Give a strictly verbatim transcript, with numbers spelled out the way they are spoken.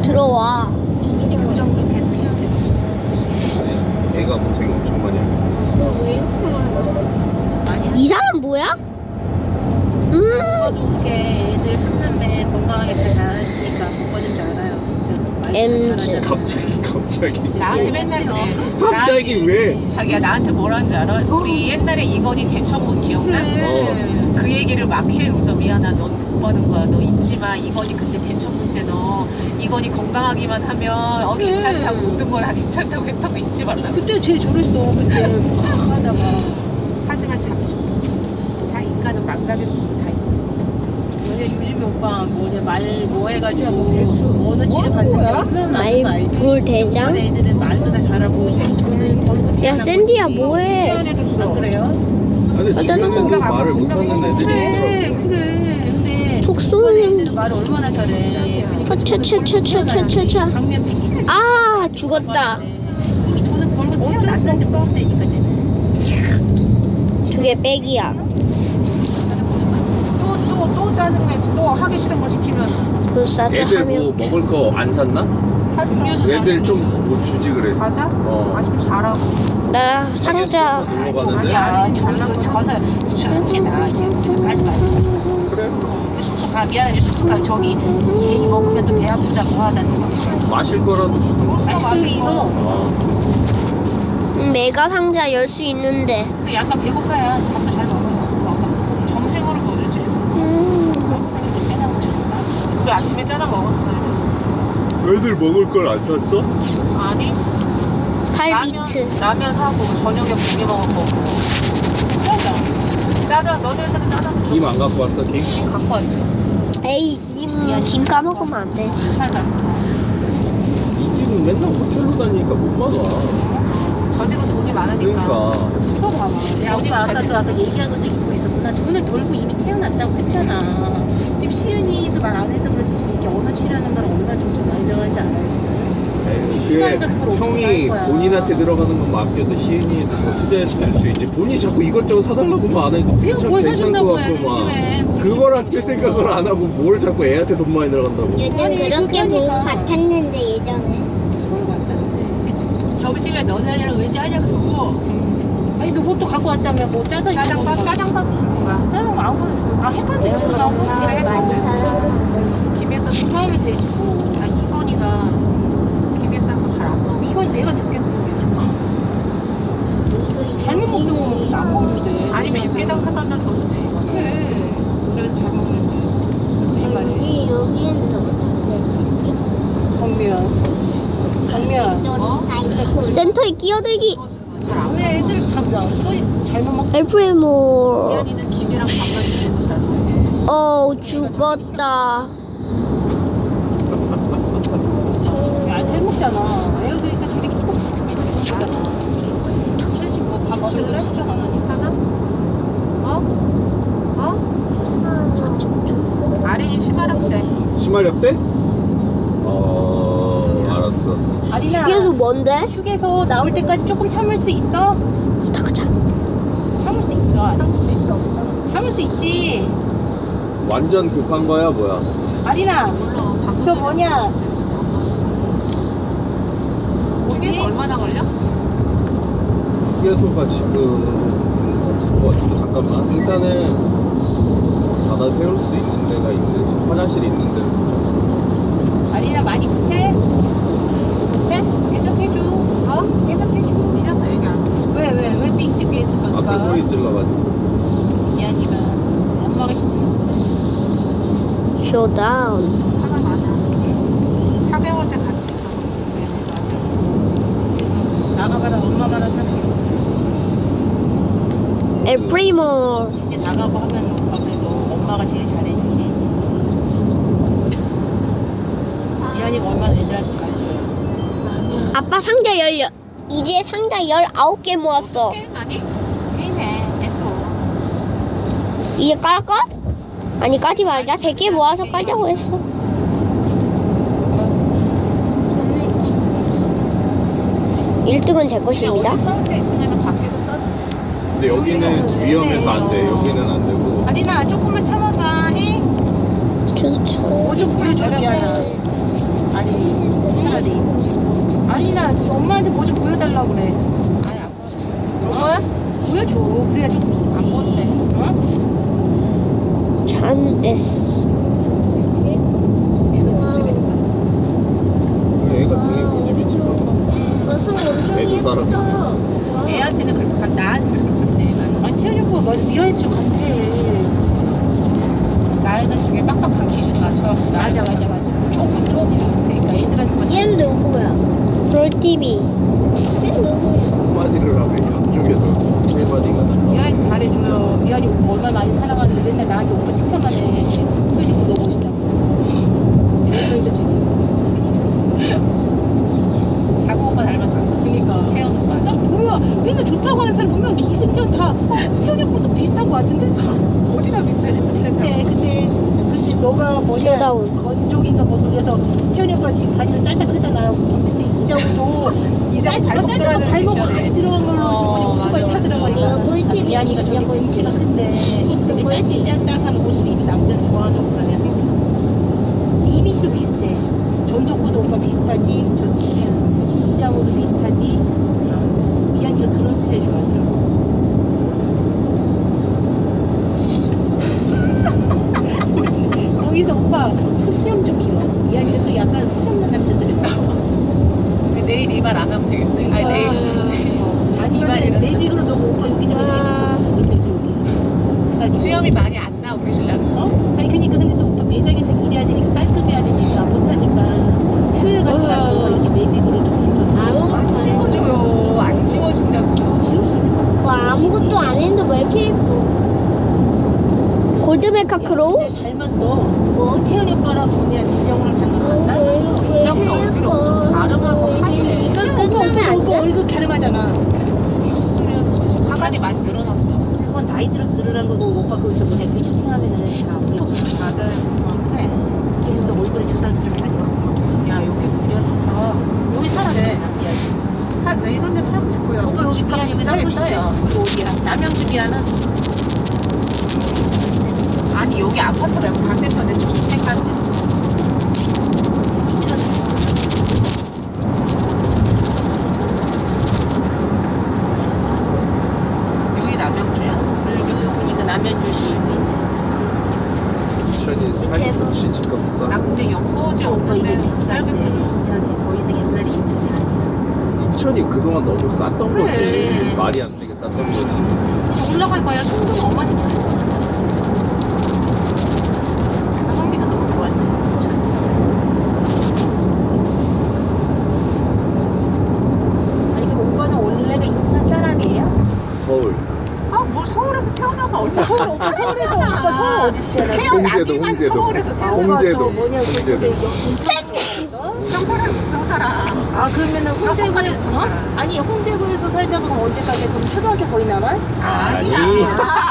들어와. 이제 교정도 계속 해야 돼. 애가 고생 엄청 많이 하고. 왜 이렇게 많이 이 사람 뭐야? 음. 먹어도 이렇게 애들 샀는데 건강하게 잘 자라니까 먹어줄 줄 알아요. 진짜 엠지. 갑자기 갑자기 나한테 맨날 그래. 갑자기 왜? 자기야 나한테 뭐라는 줄 알아? 우리 옛날에 이건희 대청문 기억나? 어. 그 얘기를 막 해. 그래서 미안하 넌 못 버는 거야. 너 잊지 마. 이건희 그때 대청문 때 너 이건희 건강하기만 하면 어 그래. 괜찮다고 모든 걸 다 괜찮다고 했다고 잊지 말라고. 그때 제일 저랬어. 그때 막 하다가 하지만 잠시 다 인간은 망가는 다 있어. 뭐냐 요즘에 오빠 뭐냐 말 뭐 해가지고 뭐 어느 집에 갔는데 얼마나 말 알지? 불 대장? 요번 애들은 말도 다 잘하고 이 돈을 벌고 야 태어나고 샌디야 있지. 뭐해? 표현해줬어. 안 그래요? 아니 아, 주변 나는 애들 말을 못하는 애들이 그래 있더라고. 그래 근데 속 요번 쏘는. 애들은 말을 얼마나 잘해. 차차차차차차차. 강면 백혈 아 죽었다. 이 돈을 벌고 태어났는데 뽑다니까 쟤는. 두 개 빼기야. 또또 또 짜증내지. 또 하기 싫은 거 시키면 불사조 애들 뭐 하면. 먹을 거 안 샀나? 사주면서 애들 좀 뭐 주지 그래. 맞아? 어. 아주 잘하고. 나 상자. 놀러 가는데. 아니야 잘난 거 가서 술집이나 지금 하지 마. 그래. 숙소 가 미안해 숙소 가 저기 괜히 먹으면 또 배 아프다고 하다는 거. 마실 거라도 주던가. 아이스크림 있어. 어. 음, 메가 상자 열 수 있는데. 근데 약간 배고파야 밥도 잘 먹어요. 먹어. 점심으로 먹을지. 음. 우리 아침에 짜장 먹었어요. 애들 먹을 걸 안 샀어? 아니 팔비트. 라면, 라면 사고 저녁에 고기 먹을 거고. 짜장. 짜장 너네들은 짜장 김 안 갖고 왔어 김? 갖고 왔지. 에이 김, 김 까먹으면 안 되지. 살살. 이 집은 맨날 호텔로 다니니까 못 받아. 저 집은 돈이 많으니까. 그러니까. 또 봐봐. 야, 우리 아까도 아까 얘기한 것도 있고 있었구나. 돈을 벌고 이미 태어났다고 했잖아. 지금 시은이도 말 안 해서 그렇지 지금 이렇게 언어 치료하는 건 얼마 정도 많이 들어가는지 알아요 지금. 에이, 시간도 그걸 그게 어떻게 형이 할 거야. 본인한테 들어가는 것만 아껴도 시은이 더 투자해서 낼 수 있지. 본인이 자꾸 이것저것 사달라고만 안 해도 괜찮, 뭘 괜찮을 사준다고 것 해, 같고 막 요즘에. 그걸 아낄 생각을 안 하고 뭘 자꾸 애한테 돈 많이 들어간다고. 요즘 아니, 그렇게 본 것 그러니까. 같았는데 예전에 점심에 너네랑 왠지 하냐 그러고 아니 너 그것도 갖고 왔다며 뭐 짜장 이런 짜장밥 거. 짜장밥 줄 건가? 짜장 아무 아 햇반도 있어 나오고 엄마 많이 사랑하는 김에 싸서 그거 하면 되지 뭐. 아 이건이가 김에 싼 거 잘 안 먹어. 이건 내가 줄게. 잘못 먹는 거 먹고 안 먹는데. 아니면 육개장 사달면 줘도 돼. 그래. 그래서 잘 먹는 무슨 말이야? 우리 여기에는 정면. 정면. 어? 센터에 끼어들기. 잘안 먹어. 오늘 애들 참 야, 또 잘못 먹. 엘프레모. 이한이는 김이랑 밥만 주고 잘 쓰지. 어 죽었다. 야, 잘 먹잖아. 애가 그러니까 저렇게 키고 같은 게 먹잖아. 솔직히 뭐밥 먹을래? 추천 안 하니까. 하나? 어? 어? 아린이 심하랍 때. 심하렵 때? 어 알았어. 아리나. 휴게소 뭔데? 휴게소 나올 때까지 조금 참을 수 있어? 나가자. 참을 수 있어. 참을 수 있어. 참을 수 있지. 완전 급한 거야 뭐야? 아리나. 물론 박 저 뭐냐? 이게 얼마나 걸려? 휴게소가 지금 없을 것 같은데 잠깐만. 일단은 받아 세울 수 있는 데가 있는데 화장실이 있는데. 아리나 많이 급해? 급해? 대답해줘. 어? 대답해줘. 삐져서 얘기 안 해. 왜, 왜, 왜 삑찍 삐 있을 거니까? 앞에 소리 질러가지고. 이한이가 엄마가 힘들었거든. 쇼다운. 하나 많아. 사 개월째 같이 있어서. 나가봐라 엄마가라 사는 게. 엘프레모. 근데 나가고 하면 오빠 그래도 엄마가 제일 잘해주지. 이한이가 얼마나 애들한테 잘해줘요. 아빠 상자 열려. 이제 상자 열아홉 개 모았어. 게임 아니? 해네 됐어. 이제 깔까? 아니 까지 말자. 백 개 모아서 깔자고 했어. 일 등은 제 것입니다. 어디 서울 때 있으면 밖에서 써도 돼. 근데 여기는 위험해서 안 돼. 여기는 안 되고. 아리나 조금만 참아봐. 해? 좋죠. 뭐좀 보여줘 미안해. 아니 해야 돼. 아니 나 엄마한테 뭐 좀 보여달라고 그래. 아니 안 보여. 엄마? 보여줘. 그래야 좀 믿지. 안 보는데. 어? 잔 S. 얘도 고집있어. 애가 되게 고집이 지금. 너손 엄청 애도 예쁘다. 따라. 애한테는 그렇게 간 나한테 그렇게 간대. 아니 태연이 오빠 맞아. 미아이들 간대. 나이는 지금 빡빡한 기준에 맞춰갖고 맞아 맞아 맞아. 조금 조금. 그러니까 애들한테 맞춰. 얘는 누구야? 롤티비. 얘는 누구야? 한마디를 하면 양쪽에서 한마디가 달라. 미아이 잘해줘요. 미아이 오빠 얼마나 많이 사랑하는데 맨날 나한테 오빠 칭찬만 해. 그래서 너무 멋있다고. 그래서 지금. 자고 오빠 닮았잖아. 그니까. 태연 오빠. 나 뭐야 맨날 좋다고 하는 사람 보면 기승전 다 어, 태연이 오빠도 비슷한 거 같은데 다 어디나 비슷해. 그때 그때 그때 너가 뭐냐 쇼다운. 건조기인가 뭐 돌려서 태연이 오빠 지금 바지를 짧게 크잖아 그때 이자부도 이장 발목 들어야 되는 발목 시절에. 확 들어간 걸로 어, 저번에 오토바이 맞아, 타더라고 맞아. 하니까 꿀팁이 미안이가 진짜 저기 등치가 큰데 그렇게 짧게 짠딱한 옷을 입은 남자를 좋아하는 오빠 내가 생각해 이미지도 비슷해 전속구도 오빠 비슷하지 저 이장호도 비슷하지 어, 미안이가 그런 스타일 좋아하더라고 거기서 오빠 저 수염 좀 길어 미안이가 또 약간 수염 난 남자들이 많아 내일 이 말 안 하면 되겠네. 아니 내일. 아니 이발이라도. 근데 매직으로 너무 오빠 여기 좀 매직 좀 해줘 여기 수염이 많이 안 나 우리 신랑. 어? 아니 그니까 근데 또 오빠 매장에서 일해야 되니까 깔끔해야 되니까 못하니까 효율 같은 거 이렇게 매직으로 좀 안 찍어줘요. 안 찍어준다고. 지웠어 와 아무것도 안 했는데 왜 이렇게 예뻐? 골드메카 크로우? 근데 닮았어 뭐 태연이 오빠랑 그냥 이정우랑 닮았었나? 왜 이장훈이 이렇게 얼굴이 예뻐? 가름하고 하얘. 이걸 오빠 끝나면 오빠 안 오빠 돼? 얼굴 가름하잖아 화관이 많이 늘어났어. 그건 나이 들어서 늘어난 거고 오빠 그거 저 뭐냐 그 채팅하면은 다 우리 없어 맞아요. 어, 그래 그래서 너 얼굴에 주사 좀 다녀 야 여기 그려 좋다. 여기 살아네 살, 나 이런 데 살고 싶어요. 오빠 여기 집값 미안이 살고 싶대 비싸겠어요. 여기 어디야? 남양주 미안은 아니 여기 아파트 말고 반대편에 주택까지. 여기 남양주야? 여기 보니까 남양주시 천이 살이 좋지 집값 나 비싸. 근데 연고지 오빠 이게 없는데 비싸지 짧게 들어. 인천이 더 이상 옛날에 인천이 아니야 인천이 그동안 너무 쌌던 그래. 거지. 말이 안 되게 쌌던 거지. 올라갈 거야 송도는 어마진짜 가성비가 너무 좋았지 인천이 아니 그럼 오빠는 원래가 인천 사람이에요? 서울. 아뭘 서울에서 태어나서 얼마 서울 오빠 서울에서 오빠 서울 어디서 태어났어? 홍제도, 태어나기만 홍제도. 서울에서 아, 태어나. 오빠 홍제도, 저 뭐냐 홍제도. 그쪽에 인천에서 평사람 평사람. 아 그러면은 홍대구에 나 어? 아니 홍대구에서 살다가 그럼 언제까지 그럼 초등학교 거의 남아? 아니야. 아니.